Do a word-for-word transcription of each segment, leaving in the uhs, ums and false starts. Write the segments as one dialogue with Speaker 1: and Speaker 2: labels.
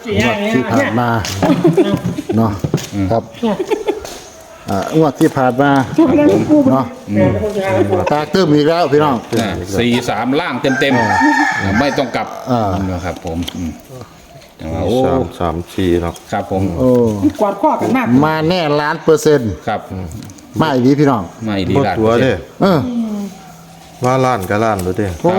Speaker 1: งวดที่ผ่านมาเนาะครับอ่างวดที่ผ่านมาเนาะตาตื้มอีกแล้วพี่น้อง
Speaker 2: สี่สามล่างเต็มเต็มๆไม่ต้องกลับนะครับผมโอ้
Speaker 3: สามสามสี่เนาะ
Speaker 2: ครับผม
Speaker 1: โอ้
Speaker 4: กอดข้อกันมาก
Speaker 1: มาแน่ล้านเปอร์เซ็นต์
Speaker 2: ครับ
Speaker 1: มาอีกทีพี่น้อง
Speaker 2: ไม่ดี
Speaker 3: บ่
Speaker 2: ละ
Speaker 3: ตัวเด้
Speaker 1: เออ
Speaker 3: ว่าล้านก็ล้านดูเด้
Speaker 1: โอ้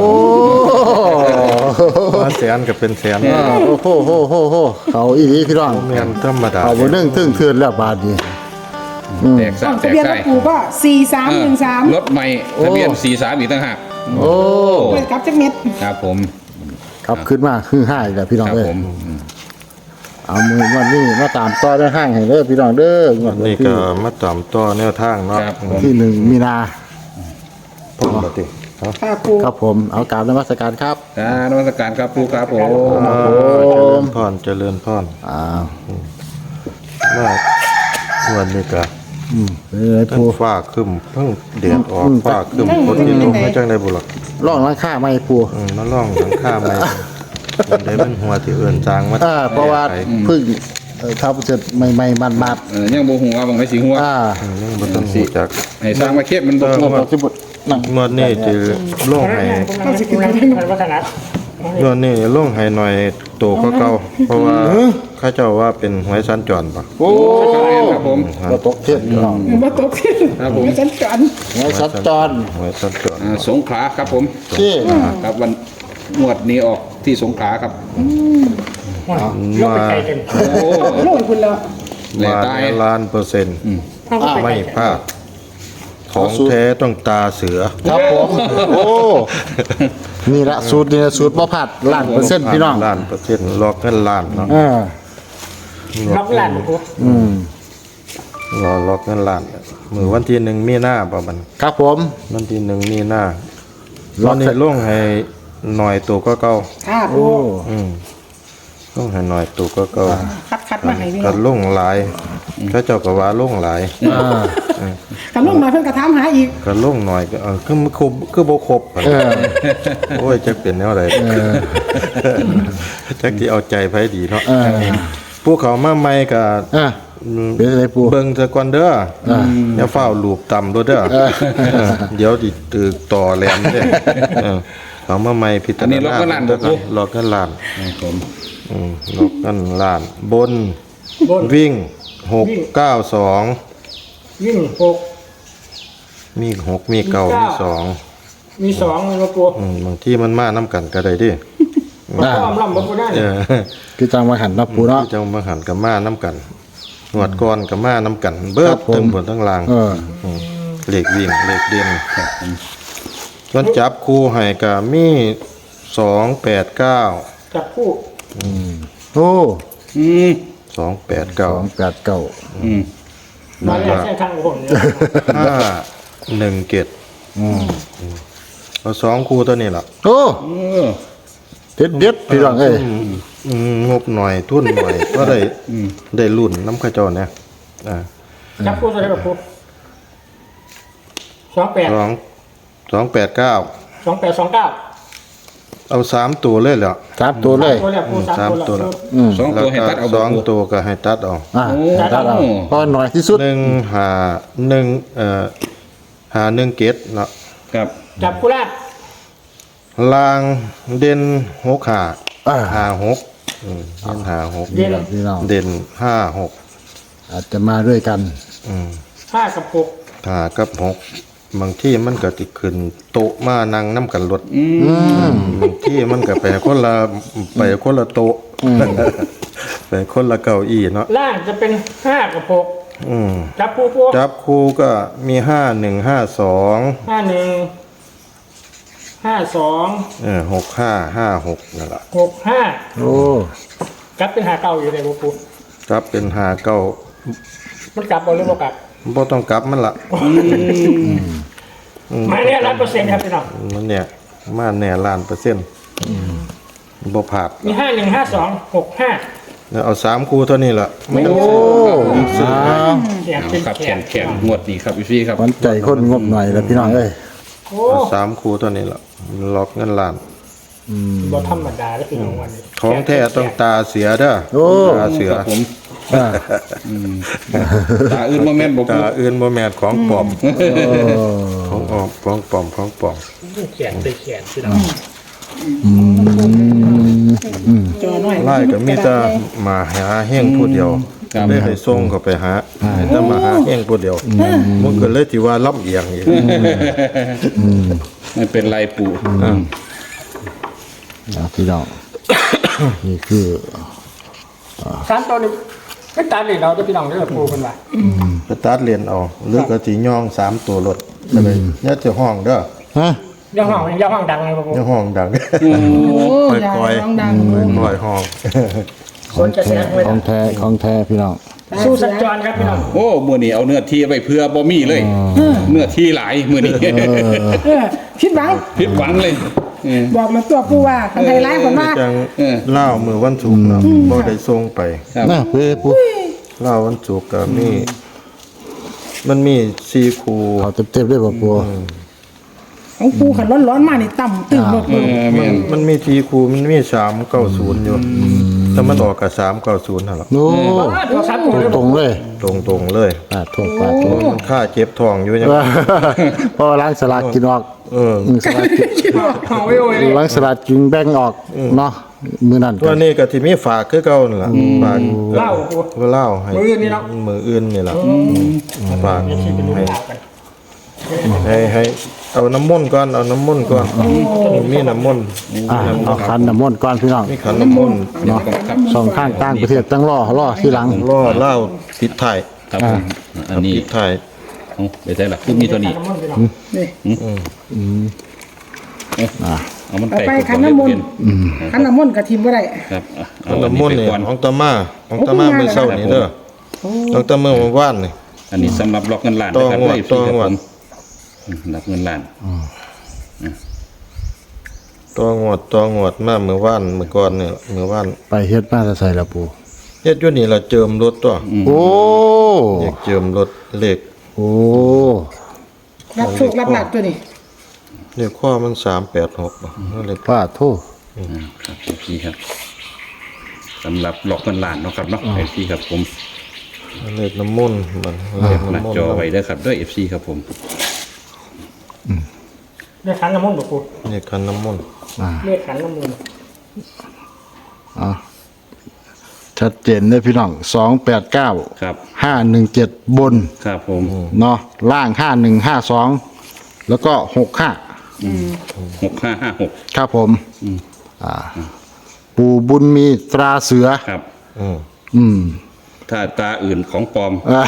Speaker 3: ว่าแสนก็เป็นแสน
Speaker 1: โอ้โหโหโหโหเขาอีกทีพี่น้อง
Speaker 3: แม่นธรรมดา
Speaker 1: เขาบนนึ่งตึ้งเทือนแล้วบาทนี้
Speaker 2: แตกสา
Speaker 4: ต้
Speaker 2: ม
Speaker 4: อง
Speaker 2: แต
Speaker 4: ทะ
Speaker 2: ก
Speaker 4: เบียนร
Speaker 2: ไส้
Speaker 4: ถปู่ก็สี่สามหนึ่งสาม
Speaker 2: รถใหม่ทะเบียนสี่สามอีกต่างหาก
Speaker 1: โอ้
Speaker 4: เปิดกับจักเม็ด
Speaker 2: ครับผม
Speaker 1: ครับขึ้นมาคือห้าอีกแล้วพี่น้อง
Speaker 2: ครับ
Speaker 1: เอ้ย
Speaker 2: ผม
Speaker 1: เอามือวันนี้มาตามต่อได้ห้างให้เด้อพี่น้องเด้องวดวัน
Speaker 3: นี่
Speaker 1: ที่
Speaker 3: ก็มาตามต่อแนวทางเนาะ
Speaker 2: ครับผม
Speaker 1: ที่หนึ่งมีนา
Speaker 3: พ่อบ่ติเนาะ
Speaker 4: ค่ะปู่
Speaker 1: ครับผมเอากราบนมัสการครับ
Speaker 2: การนมัสการครับครูครับผม
Speaker 3: อ่าเจริญพรเจริญพร
Speaker 1: อ้าว
Speaker 3: ว่าวันนี้ก็
Speaker 1: อืมเป็นไง
Speaker 3: ทั้ง
Speaker 1: ปู
Speaker 3: ฟ้าครึ้มเพิ่งแดดออก
Speaker 1: อืม
Speaker 3: ฟ้าครึ้มฝนสิตกไม่จังได้บุหรอก
Speaker 1: ร่องร้านค้าไม่ปู
Speaker 3: อืมมาล่องหลังคาใหม่มันได้เป็นหัวที่เอื่นจางมา
Speaker 1: อ่าเพราะว่า
Speaker 3: ไป
Speaker 1: เพึ่งเอ่อทับเสร็จใหม่ๆมัน
Speaker 2: เออยังโบหัวบางไม่สีหัว
Speaker 1: ๆอ่า
Speaker 3: อืมยังบ่ต้องรู้จัก
Speaker 2: ให้สร้างมาเค็บมันโบ
Speaker 1: งวดปัจจุบันนั่ง
Speaker 3: งวดนี้จะลงให้
Speaker 4: ต้องสิบกิโลพันวัฒนะ
Speaker 3: งวดนี้ลงให้หน่อยโตก็เก่าเพราะว่าเขาเจ้าว่าเป็นหวยสัญจรปะ
Speaker 1: โอ้
Speaker 2: ครับผม
Speaker 1: เราตกเทศพี่น้อง
Speaker 4: มาตกขึ้น
Speaker 2: ครับผม
Speaker 4: ฉันกัน
Speaker 1: ไงสัญจร
Speaker 3: หวยสัญจร
Speaker 2: อ่าสงขลาครับผม
Speaker 1: ที่
Speaker 2: ครับวันงวดนี้ออกที่สงขลาครับ
Speaker 3: มา
Speaker 2: โอ้
Speaker 4: โลดคุณแล้ว
Speaker 2: แหล่
Speaker 3: มา
Speaker 2: ตาย
Speaker 3: ล้านเปอร์เซ็นต์
Speaker 4: เข้าไป
Speaker 3: ไม่พลาดของแท้ต้องตาเสือ
Speaker 1: ครับผมโอ้นี่ละสูตรนี่ละสูตรบ่ผัดล้านเปอร์เซ็นต์พี่น้อง
Speaker 3: ล้านเปอร์เซ็นต์ลอกเงินล้านเนาะ
Speaker 1: อ่า
Speaker 4: รับหลานปู่
Speaker 1: อืม
Speaker 3: รอลอกเงินล้านมือวันที่หนึ่งมีหน้าประมาณ
Speaker 1: ครับผม
Speaker 3: วันที่หนึ่งมีหน้า
Speaker 1: ล็
Speaker 3: ต
Speaker 1: อ
Speaker 3: อก นนี้
Speaker 1: เสร็จ
Speaker 3: ลงให้หน่อยตัวก็เก่า
Speaker 4: ค่ะ
Speaker 1: โอ้
Speaker 4: ปู่
Speaker 3: อืมลงให้หน่อยตัวก็เก่า
Speaker 4: คัดคัดมาให้นี่
Speaker 3: ก็ลงหลายเขาเจ้าก็ว่าลงหลาย
Speaker 1: อ่า
Speaker 4: กันลงมาเพิ่นกระทำหาอีก
Speaker 3: ก็ลงหน่อยก็เออคือมันครบคือบ่ครบ
Speaker 1: เออ
Speaker 3: โอ้ยจักเป็นแนวใดจักที่เอาใจไผดีเนาะ
Speaker 1: เออ
Speaker 3: ผู้เขามาใหม่ก็
Speaker 1: อ่ะเป็นอะไรปู
Speaker 3: เบิ่งซะก่อนเด้ออย่าเฝ้าลูบต่ำด้วยเด้อเออเดี๋ยวดิตึกต่อแหลมเด้อเออเขามาใหม่พิจารณาล็อกกันล้านล็อกกันล้าน
Speaker 2: ครับผม
Speaker 3: อืมล็อกกันล้าน บน
Speaker 4: บน
Speaker 3: วิ่งหกเก้าสอง
Speaker 4: วิ่งหก
Speaker 3: มีหกมีเก้ามีสอง
Speaker 4: มีสองเลยปู่
Speaker 3: อืมบางที่มันมาน้ำกันก็ได้ดิ
Speaker 4: มาอ้อมล่ำบ่ปู่ได้
Speaker 3: เออ
Speaker 1: คือจังมาหันเนาะปูเนาะ
Speaker 3: ที่จะมาหันกับมาน้ำกันหนวดก้อนกับมาน้ำกัน เบิ
Speaker 1: ครั
Speaker 3: ด
Speaker 1: บผม
Speaker 3: เต็มบนทั้งลาง
Speaker 1: เออ
Speaker 3: มเหล็กวิ่งเหล็กเด่นส่วนจับคู่ให้กับมีสองแปดเก้า
Speaker 4: จับคู่
Speaker 1: โอ้
Speaker 2: อืม
Speaker 3: สองแปดเก้า
Speaker 1: สองแปดเก้า
Speaker 2: อืม
Speaker 4: มาแล้วใช้ทางผมเนี่ย
Speaker 3: ห้าหนึ่งเกตเอาสองคู่ตัวนี้ล่ะ
Speaker 1: โอ้
Speaker 2: เออ
Speaker 1: เด็ดเด็ดพี่น้องเอ้ย
Speaker 3: อืมงบหน่อยทุนหน่อย ก็ได้ได้รุ่นน้ำข้าเจรเนี่ยอ่า
Speaker 4: จับคู่ตัวไหนกับปู่สองแปด
Speaker 3: สองสองแปดเก้า
Speaker 4: สองแปดสองเก้า
Speaker 3: เอาสามตัวเลยเหรอ
Speaker 1: สามตัวเลย
Speaker 4: ตัวแรกปู่สามตัวละ
Speaker 1: อืม
Speaker 2: สอง
Speaker 3: แล้
Speaker 2: ตัว
Speaker 3: ว
Speaker 2: ให้
Speaker 3: ก็
Speaker 2: ตัดเอา
Speaker 3: สอง
Speaker 2: บ่
Speaker 3: ตัวก็ให้ตัดเอา
Speaker 1: อ่า
Speaker 2: โอ้
Speaker 1: ตัดเอาพอหน่อยที่สุด
Speaker 3: หนึ่งหาหนึ่งเอ่อหาหนึ่งเกตเนาะ
Speaker 2: ครับ
Speaker 4: จับคู่แรก
Speaker 3: ลางเด่นหกหา
Speaker 1: อ่า
Speaker 3: หาหกอืมเด่นหาหก
Speaker 4: เด่น
Speaker 1: พี่น้อง
Speaker 3: เด่นห้าหก
Speaker 1: อาจจะมาด้วยกัน
Speaker 3: อืม
Speaker 4: ห้ากับหก
Speaker 3: หากับหกบางที่มันก็ติขึ้นโต๊ะมานั่งน้ำกันรถ
Speaker 2: อืม
Speaker 3: บางที่มันก็ไปคนละไปคนละโต๊ะไปคนละเก้าอี้เนาะ
Speaker 4: ล่างจะเป็นห้ากับหก
Speaker 3: อืม
Speaker 4: จับคู่ปู่
Speaker 3: จับคู่ก็มีห้าหนึ่งห้าสอง
Speaker 4: ห้าหนึ่งห้าสอง
Speaker 3: เออหกห้าห้าหกนั่นแหละ
Speaker 4: หกห้า
Speaker 1: โอ้
Speaker 4: จับเป็นหาเก่าอยู่ในปู่
Speaker 3: จับเป็นหาเก้า
Speaker 4: มันกลับบ่หรือบ่กลับ
Speaker 3: บ่ต้องกลับมันละ
Speaker 4: มาเนี่ยร้อยเปอร์เซ็นต์ครับพี่น้อง
Speaker 3: มันเนี่ยมาแน่ล้านเปอร์เซ็นต์บ่ผาด
Speaker 4: มีห้าหนึ่งห้าสองหกห้า
Speaker 3: แล้วเอาสามคู่เท่านี้ล่ะไม่ต้อง
Speaker 1: โอ้อ้าว
Speaker 4: แขนเป็น
Speaker 2: ครับ
Speaker 4: แข
Speaker 2: แข
Speaker 4: น
Speaker 2: นแขนงวดนี้ครับพี่ครับ
Speaker 1: มันใจคนงบหน่อยแล้วพี่น้องเอ้ย
Speaker 4: โอ้
Speaker 3: เอาสามคู่เท่านี้ล่ะล็อกเงินล้าน
Speaker 4: บ่ธรรมดาแล้วพี่น้องวันนี้
Speaker 3: ของแท้ต้องตาเสียเด้อ
Speaker 1: โอ้
Speaker 3: ตาเสือ
Speaker 2: ครับผม
Speaker 1: อ่า
Speaker 2: ตาอื่นบ่แม่นบ่ปู
Speaker 3: ตาอื่นบ่แม่นของปลอม
Speaker 1: โอ้
Speaker 3: ของออกของปลอมของปลอม
Speaker 4: แขนไปแขนพี่น้อง
Speaker 5: จอหน่อย
Speaker 3: ไล่ก็มีแต่มาหาแห้งผู้เดียวเลยให้ส่งเข้าไปหาให้แต่มาหาแห้งผู้เดียวมันก็เลยที่ว่าลำเอียงอีก
Speaker 2: ไม่เป็นไรปูอืม
Speaker 1: อ่าพี่น้อง นี่คือ
Speaker 4: สามตัวนี้เป็นตาเลยเราจะพี่น้องได้อปูเพิ่นว่า
Speaker 3: ไปตัดเรียนเอาหรือก็สิย่องสามตัวรถก็เลยเนี่ยจะห้องเด้อ
Speaker 1: ฮะ
Speaker 4: ย่าห้องย่าห้องดังเลยบ่ปู
Speaker 3: เนี่ยห้องดัง
Speaker 5: โอ้ย
Speaker 3: ปล่อยๆ
Speaker 5: ดังดัง
Speaker 3: ปล่อยห้อง
Speaker 4: คนจะแสงเลย
Speaker 1: ของแท้ของแท้พี่น้อง
Speaker 4: สู้สัญจรครับพี่น้อง
Speaker 2: โอ้มื้อนี้เอาเนื้อที่ไปเพื่อบ่มีเลย เนื้อที่หลายมื้อนี้
Speaker 5: เออคิดหวัง
Speaker 2: ผิดหวังเลยเออ
Speaker 5: บอกมาตัวปูว่าคันไทยร้ายคนว่า
Speaker 3: จัง
Speaker 2: เออ
Speaker 3: เล่ามือวันศุกร์เนาะบ่ได้ส่งไป
Speaker 2: ครับ
Speaker 1: น่าเพื่อปู
Speaker 3: เล่าวันศุกร์ก็มีมันมีสี่คู
Speaker 1: เขาเต็มๆด้วยบ่ปู
Speaker 5: ของปูขันร้อนร้อนๆมานี่ต่ำตึงหมด
Speaker 2: เออแม่น
Speaker 3: มันมีสี่คูมันมีสามเก้าศูนย์อยู่แต่มันออกกับสามเก้าศูนย์นั่นแหละ
Speaker 1: โอ้
Speaker 4: ตัวสามตัวเลย
Speaker 1: ตรงๆเลย
Speaker 3: ตรงตรงๆเลย
Speaker 1: อ่าโทษปาดโทษ
Speaker 3: มันค่าเจ็บท้องอยู่ยัง
Speaker 1: เพราะว่าล้างสลากกินออก
Speaker 3: เออ
Speaker 1: อืมสลากกิน
Speaker 4: เอาไว้โอ้ย
Speaker 1: ล้างสลากกินแบ่งออกเนาะมื้อนั้น
Speaker 3: ตัวนี้ก็ที่มีฝากคือเก่านั่นล่ะฝาก
Speaker 4: เล่าปู
Speaker 3: ว่าเล่าให้
Speaker 4: มื้ออื่นนี่เนาะ
Speaker 3: มืออื่นนี่ล่ะฝาก
Speaker 4: ที่เป็นลูก
Speaker 3: ให้
Speaker 4: หลานกัน
Speaker 3: ให้ให้เอาน้ำมนต์ก่อนเอาน้ำมนต์ก่อนมีน้ำมนต์
Speaker 1: อ่าเอาขันน้ำมนต์ก่อนพี่น้อง
Speaker 3: มีขันน้ำมนต์
Speaker 1: เนาะสองข้างต่างประเทศตั้งรอรอที่หลัง
Speaker 3: ล่อเล่าปิดไทาย
Speaker 2: ครับผมอันนี้
Speaker 3: ปิดไทาย
Speaker 2: เอาไปได้ล่ะคือมีตัวนี้
Speaker 4: น้ำมันพี่น้อง
Speaker 5: นี่
Speaker 1: อ่า
Speaker 2: เอามัน
Speaker 5: เอา
Speaker 2: แตก
Speaker 5: ไป
Speaker 2: ก่อ
Speaker 5: ขันน้ำมนต์
Speaker 1: อืม
Speaker 5: ขันน้ำมนต์กับทีมบ่ได้
Speaker 2: ครับอ่ะเอา
Speaker 3: ขัน
Speaker 2: อัน
Speaker 3: น้ำม
Speaker 2: นี้
Speaker 3: นต์
Speaker 2: ไป
Speaker 3: นี่
Speaker 2: ก่อน
Speaker 3: ของตามาของตามามื้อเช้านี่เด้อของตาเมื่อวานนี่
Speaker 2: อันนี้สำหรับล็อกเงินล้าน
Speaker 3: ต่อ
Speaker 2: นะครับ
Speaker 3: งวด
Speaker 2: ด้วย
Speaker 3: ต่องวด
Speaker 2: อืมรับเงินล้าน
Speaker 3: ตัวงวดตัวงวดมาเมื่อวานเมื่อก่อนนี่เมื่อวาน
Speaker 1: ไปเฮ็ดมาจะใส่ละปู
Speaker 3: เฮ็ดอยู่นี่ล่ะเจิมรถตัว
Speaker 1: โอ้
Speaker 3: อยากเจิมรถเลข
Speaker 1: โอ้
Speaker 5: รับโชครับหลักตัวนี้
Speaker 3: เลขข้อมันสามแปดหกบ่เลข
Speaker 1: ป้าโทษ
Speaker 2: อืมครับพี่ครับสำหรับล็อกเงินล้านเนาะครับเนาะไอซีครับผม
Speaker 3: เลขน้ำมนต์มันเลข
Speaker 2: หน้า
Speaker 3: น้ำมนต์
Speaker 2: จอไว้เด้อครับด้วยเอฟซีครับผม
Speaker 4: เรียกขันน้ำมันบ่ปู
Speaker 3: เลขขันน้ำมนต์
Speaker 1: อ่า
Speaker 4: เรียกขันน้ำมัน
Speaker 1: อ่าชัดเจนเลยพี่น้องสองแปดเก้า
Speaker 2: ครับ
Speaker 1: ห้าหนึ่งเจ็ดบน
Speaker 2: ครับผม
Speaker 1: เนาะล่างห้าหนึ่งห้าสองแล้วก็หกห้า
Speaker 2: หกห้าห้าหก
Speaker 1: ครับผมอ่า ปู่บุญมีตราเสือ
Speaker 2: ครับ
Speaker 3: อืม
Speaker 1: อืม
Speaker 2: ถ้าตาอื่นของปลอม
Speaker 1: อ่า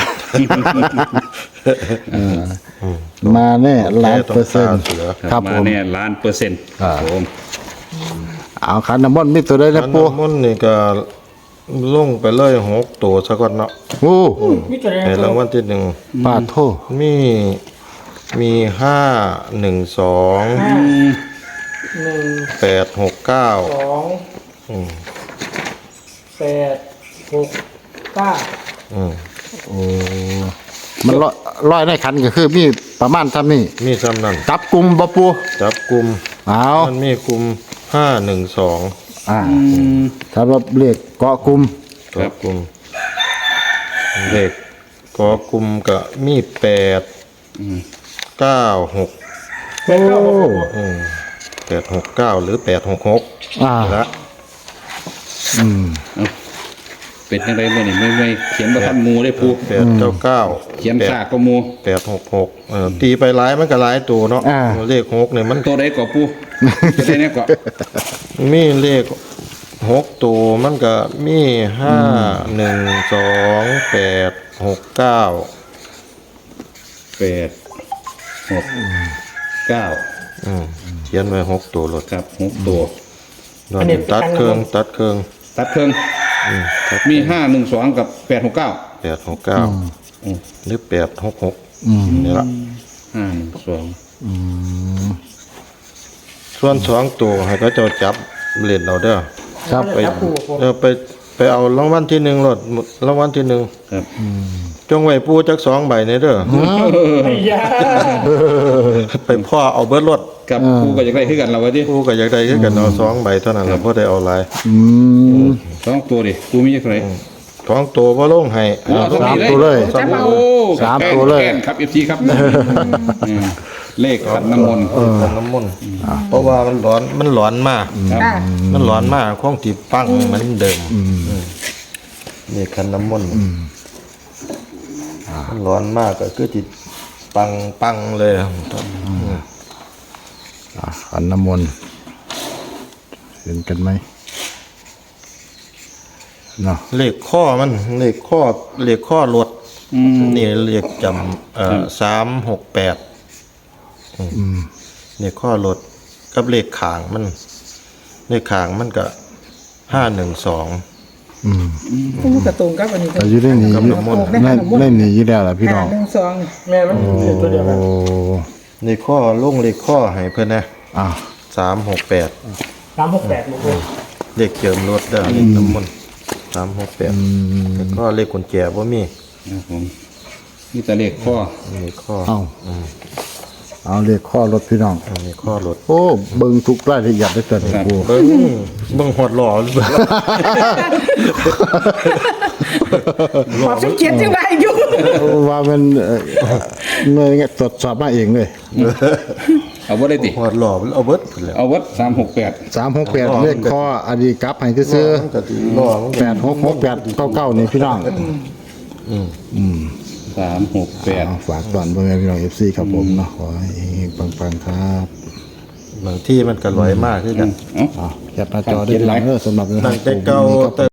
Speaker 1: มาแน่ล้านเปอร์เซ็นต์
Speaker 3: เสือ
Speaker 1: ครับ
Speaker 2: มา
Speaker 1: ผม
Speaker 2: แน่ล้านเปอร์เซ็นต์
Speaker 1: อ่า
Speaker 2: ครับผม
Speaker 1: เอาขันน้ำมนต์มีตัวได้
Speaker 3: ขั
Speaker 1: นะ
Speaker 3: น
Speaker 1: ปู่
Speaker 3: น้ำมนต์นี่ก็ลงไปเลยหกตัวซะก่อนเนาะ
Speaker 1: โอ้
Speaker 4: มีตัวไหน
Speaker 3: ในรางวัลที่หนึ่ง
Speaker 1: ป้าโทษ
Speaker 3: มีมีห้าหนึ่งสอง
Speaker 4: ห้าหนึ่ง
Speaker 3: แปดหกเก้า
Speaker 4: สองแปดหกเก้า
Speaker 3: อืม
Speaker 1: โอ้มันร้อยร้อยในขันก็คือมีประมาณเท่านี้
Speaker 3: มีซ้ำนั่น
Speaker 1: จับกลุ่มบ่ปู
Speaker 3: จับกลุ่ม
Speaker 1: เอา
Speaker 3: มันมีกลุ่มห้าหนึ่งสอง
Speaker 1: อ่าถ้าว่าเลขเกาะกลุ่ม
Speaker 3: จับกลุ่มเลขกอกลุ่มก็มีแปดเก้าหก
Speaker 1: โอ้
Speaker 3: อืมแปดหกเก้าหรือแปดหกหก
Speaker 1: อ่า
Speaker 3: ละ
Speaker 1: อืม
Speaker 2: เป็นยังไงเมื่อนี่ไม่ไม่เขียนประทันหมูได้ปู
Speaker 3: แปดเก้าเก้า
Speaker 2: เขียนซากก็หมู
Speaker 3: แปดหกหกเออตีไปหลายมันก็หลายตัวเนาะเลขหกเนี่ยมัน
Speaker 2: ตัวใดก็ปูตัวใดเนี่ยก็
Speaker 3: มีเลขหกตัวมันก็มีห้าหนึ่งสองแปดหกเก้า
Speaker 2: แปดหกเก้า
Speaker 3: อืมเขียนไว้หกตัวรถ
Speaker 2: ครับหกตัว
Speaker 3: นอนตัดเครื่องตัดเครื่อง
Speaker 2: ตัดเครื่อง
Speaker 3: อืมตัด
Speaker 2: มีห้าหนึ่งสองกับแปดหกเก้า
Speaker 3: แปดหกเก้าหรือแปดหกหกนี่ละ
Speaker 2: ห้าหนึ่งสอง
Speaker 3: ส่วนสองตัวให้เขาเจ้าจับเล่นเอาเด้อ
Speaker 1: ครับ
Speaker 3: ไป
Speaker 4: จับปูปู
Speaker 3: เออไปไปเอารางวัลที่หนึ่งรถรางวัลที่หนึ่ง
Speaker 2: ครับ
Speaker 3: จงไว้ปูจักสองใบในเด้อ
Speaker 4: ไอ้ยา
Speaker 3: ไปพ่อเอาเบิดรถ
Speaker 2: กับกูก็อยากได้คือกันเราวะดิ
Speaker 3: กูก็อยากได้คือกันเอาสองใบเท่านั้นล่ะบ่ได้เอาหลาย
Speaker 1: อืม
Speaker 2: สองตัวดิกูมีจักไร
Speaker 3: ท้องโตบ่ลงให้
Speaker 2: โอ้
Speaker 1: สามตัวเลย
Speaker 5: จับเอา
Speaker 2: โอ้
Speaker 1: สามตัวเลย
Speaker 2: แกนครับเอฟซีครับอืมเลขขันน้ำมนต์
Speaker 3: ขันน้ำมนต์เพราะว่ามันร้อนมันร้อนมาก
Speaker 2: ครับ
Speaker 5: ค่ะ
Speaker 3: มันร้อนมากคงที่ปังเหมือนเดิมอืมนี่ขันน้ำมนต์มันร้อนมากก็คือที่ปังปังเลยครับ
Speaker 1: อ่ะขันน้ำมนต์เห็นกันไหมเนาะ
Speaker 3: เลขข้อมันเลขข้อเลขข้อรถ
Speaker 2: อืม
Speaker 3: นี่เลขจำเอ่อสามหกแปดเลขข้อรถกับเลขขางมัน เลขขางมันก็ห้าหนึ่งสอง
Speaker 1: อืม
Speaker 5: ผู้กระตรงกับอันนี้
Speaker 1: แต่อยืดได้หนี
Speaker 3: กับน้ำมนต์
Speaker 1: ได้ได้หนีอยู่แล้วล่ะพี่น้อง
Speaker 5: หนึ่งสอง
Speaker 4: แม่มันอยู่ตัวเดียวกัน
Speaker 1: โอ้
Speaker 3: เลขข้อลงเลขข้อให้เพื่อนนะ
Speaker 1: อ่ะ
Speaker 3: สามหกแปด
Speaker 4: สามหกแปดหมดเลย
Speaker 3: เลขเจิมรถได้เลขน้ำมนต์สามหกแปดแล้วก็เลขกุญแจว่ามี
Speaker 2: ครับผมนี่แต่เลขข้อ
Speaker 3: เลขข้อ
Speaker 1: เอาเอาเรียกข้อรถพี่น้อง
Speaker 3: เลขข้อรถ
Speaker 1: โอ้เบิ่งทุกรายละเอียดได้เกินกู
Speaker 3: เบิ้งเบิ้งหอดหล่อหรือเปล่า
Speaker 5: ขอบสิบเจ็ดยังไงอยู่
Speaker 1: ว่ามันเอ่อเงยตรวจสอบมาเองเลย
Speaker 2: เอาว่าได้ติ
Speaker 3: หอดหล่อมันเอาเบิดพุ่นแหล้ว
Speaker 2: เอาวัดสามหกแปด
Speaker 1: สามหกแปดเลขข้ออดีกลับให้ซื้อ
Speaker 3: มันก็สิหล่อมันก็
Speaker 1: แปดหกหกแปดเก้าเก้านี่พี่น้อง
Speaker 2: สามหกแปด
Speaker 1: เอาฝากตอนเบิ่งให้พี่น้องเอฟซีครับผมเนาะขอให้ปังๆครับ
Speaker 3: บางที่มันก็ลอยมากคือกัน
Speaker 2: เอ้า
Speaker 1: อ่ะแคปหน้าจอได้พี่น้องเด้อสำหรับ
Speaker 3: ตั้งแต่เก่าแต่